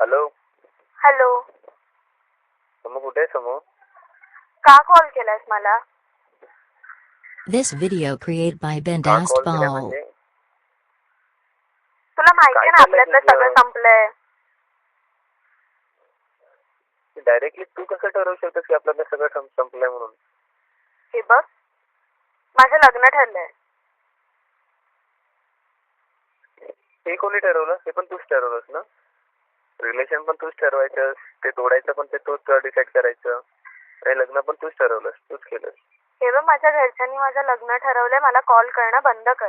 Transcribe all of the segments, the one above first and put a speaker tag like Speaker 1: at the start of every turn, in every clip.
Speaker 1: Hello.
Speaker 2: Hello.
Speaker 1: समू कुठे आहे समू?
Speaker 2: का कॉल केलास मला?
Speaker 3: This video created by
Speaker 1: का
Speaker 3: Bendast
Speaker 1: कॉल केलाय
Speaker 3: Ball.
Speaker 1: म्हणजे?
Speaker 2: तुला माहिती
Speaker 1: काय
Speaker 2: आहे ना
Speaker 1: चाललंय
Speaker 2: आपल्यातलं
Speaker 1: तुझं?
Speaker 2: सगळं संपलंय.
Speaker 1: डायरेक्टली तू कसं ठरवू शकतेस की आपल्याला सगळं संपलंय म्हणून?
Speaker 2: हे बघ, माझं लग्न ठरलंय.
Speaker 1: हे कोणी ठरवलं? हे पण तूच ठरवलंस ना? रिलेशन पण तूच ठरवायचं, ते तोडायचं पण ते तूच डिसाईड करायचं, आणि लग्न पण तूच ठरवलंस, तूच केलंस.
Speaker 2: हे बघ, माझ्या घरच्यांनी माझं लग्न ठरवलंय. मला कॉल करणं बंद कर.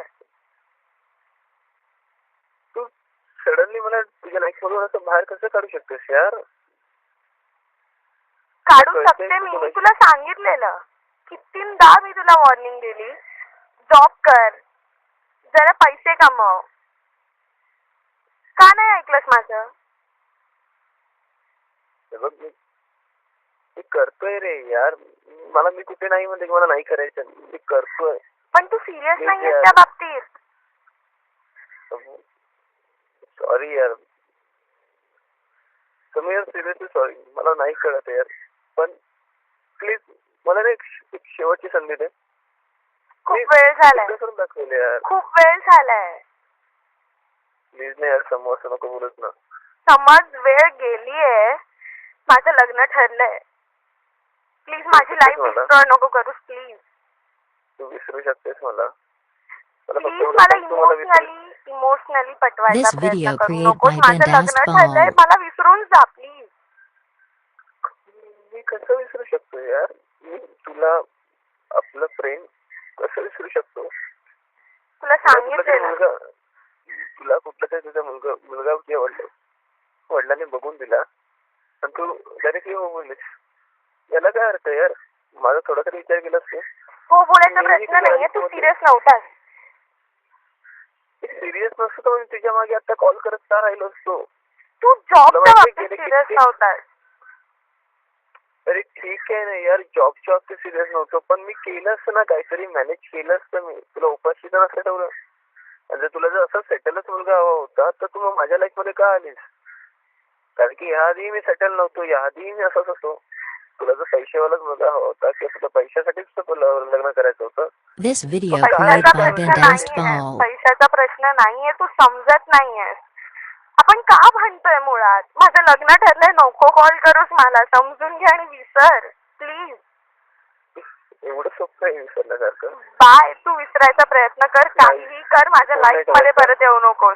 Speaker 1: तू सडनली मला तुझ्या लाईफ मधून असं बाहेर कसं काढू शकतेस यार?
Speaker 2: काढू शकते मी, तुला सांगितलेलं. कितींदा मी तुला वॉर्निंग दिली. जॉब कर, जरा पैसे कमव. का नाही ऐकलंस माझं?
Speaker 1: हे बघ, मी करतोय रे यार. मी कुठे नाही म्हणते की मला नाही करायचं, मी करतोय.
Speaker 2: पण तू सिरियस नाहीयेस त्या बाबतीत.
Speaker 1: सॉरी यार. तुम्ही यार सिरियसली सॉरी. मला नाही कळत यार, पण प्लीज मला ना एक शेवटची संधी दे.
Speaker 2: खूप वेळ झालाय.
Speaker 1: करून दाखवले यार.
Speaker 2: खूप वेळ झालाय.
Speaker 1: प्लीज नाही यार, समोर असं नको बोलत ना.
Speaker 2: समज वेळ गेलीये. माझं लग्न ठरलंय. प्लीज माझी लाईफ डिस्ट्रॉय नको करूस प्लीज.
Speaker 1: तू विसरू शकतेस मला.
Speaker 2: प्लीज मला इमोशनली पटवायचा
Speaker 3: This
Speaker 2: प्रयत्न
Speaker 3: video
Speaker 2: करू
Speaker 3: created
Speaker 2: नकोस.
Speaker 3: by
Speaker 2: माझं
Speaker 3: Bendast
Speaker 2: लग्न ठरलंय,
Speaker 3: Ball.
Speaker 2: मला विसरून जा प्लीज.
Speaker 1: मी कसं विसरू शकतो यार? मी तुला, आपलं प्रेम कसं विसरू शकतो?
Speaker 2: तुला सांगितलं.
Speaker 1: तुला कुठला तरी तुझा मुलगा किंवा वडिलांनी बघून दिला आणि तू डायरेक्टली हो बोललीस. याला काय अर्थ यार? माझा थोडा तरी विचार केलास तू?
Speaker 2: हो बोलायचा प्रश्न नाहीये. तू सिरियस नव्हतास.
Speaker 1: सिरियस नसतो तर मी तुझ्या मागे आता कॉल करत का राहिलो असतो?
Speaker 2: तू जॉबच्या बाबतीत सिरियस नव्हतास.
Speaker 1: अरे ठीक आहे ना यार, जॉबच्या बाबतीत सिरियस नव्हतो, पण मी केलं असतं ना, काहीतरी मॅनेज केलं असतं मी. तुला उपाशी तर नसतं ठेवलं. आणि तुला जर असं सेटलच मुलगा हवा होता तर तू मग माझ्या लाईफ मध्ये का आलीस? कारण की याआधी मी सेटल नव्हतो, याआधी मी असंच असतो. तुला जर पैशावालाच मुलगा हवा होता किंवा तुला पैशासाठीच लग्न करायचं होतं.
Speaker 3: This video created by Bendast Ball.
Speaker 2: पैशाचा प्रश्न नाहीये. तू समजत नाहीयेस. आपण का भांडतोय मुळात? माझं लग्न ठरलंय. नको कॉल करूस मला. समजून घे आणि विसर प्लीज.
Speaker 1: एवढं सोपं आहे विसरण्यासारखं?
Speaker 2: बाय. तू विसरायचा प्रयत्न कर, काहीही कर. माझ्या लाईफ मध्ये परत येऊ नकोस.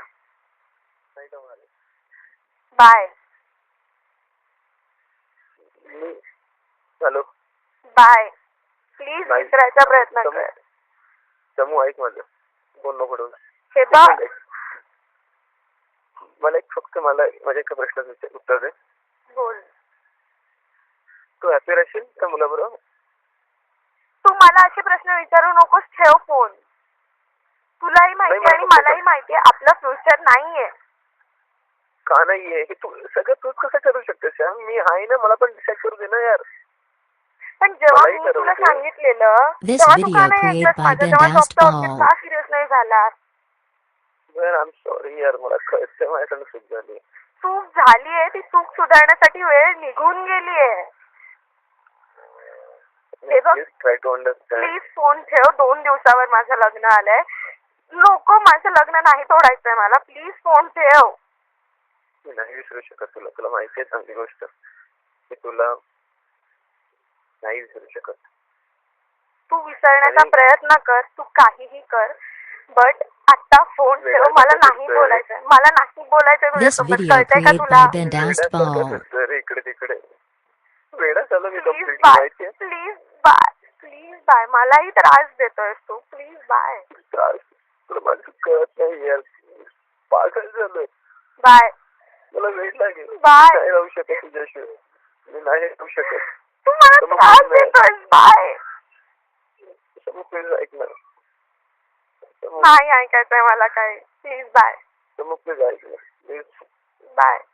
Speaker 2: बाय.
Speaker 1: हॅलो.
Speaker 2: बाय. प्लीज विसरायचा प्रयत्न कर.
Speaker 1: समू ऐक माझं, बोल नको.
Speaker 2: हे बघ,
Speaker 1: मला माझ्या एका प्रश्नाचं उत्तर दे.
Speaker 2: बोल.
Speaker 1: तू हॅपी राहशील त्या मुलाबरोबर?
Speaker 2: तू मला असे प्रश्न विचारू नकोस. ठेव फोन. तुलाही माहिती आणि मलाही माहितीये आपलं फ्युचर नाहीये.
Speaker 1: का नाहीये? हे तू सगळं तूच कसं करू शकतेस यार? मी आहे ना, मला पण डिसाईड करू दे ना यार. पण जेव्हा मी तुला सांगितलेलं तेव्हा तू का नाही ऐकलंस माझं? तेव्हा जॉबच्या बाबतीत का सिरियस नाही झाला? आय एम सॉरी यार, मला कळतंय माझ्याकडून चूक झाली. चूक झालीये. ती चूक सुधारण्यासाठी वेळ निघून गेलीये. हे बघ, प्लीज फोन ठेव. 2 दिवसावर माझं लग्न आलंय. नको, माझं लग्न नाही तोडायचंय मला. प्लीज फोन ठेव. मी नाही विसरू शकत तुला. तुला माहिती आहे चांगली गोष्ट. मी तुला नाही विसरू शकत. तू विसरण्याचा प्रयत्न कर. तू काहीही कर, बट आता फोन ठेव. मला नाही बोलायचंय. मला नाही बोलायचंय तुझ्यासोबत. कळतंय का तुला? इकडे तिकडे वेडा चालू मी. Please bye. Please bye. Please bye. मलाही त्रास देतोय तू. Please bye. त्रास तुला माझं कळत नाही यार. पागल झालोय. बाय. मला वेळ लागेल. बाय. नाही राहू शकत तुझ्याशिवाय. मी नाही राहू शकत. तू मला त्रास देतोय. बाय. प्लीज ऐक ना. नाही ऐकायचंय मला काय. Please bye. प्लीज ऐक ना. Please bye.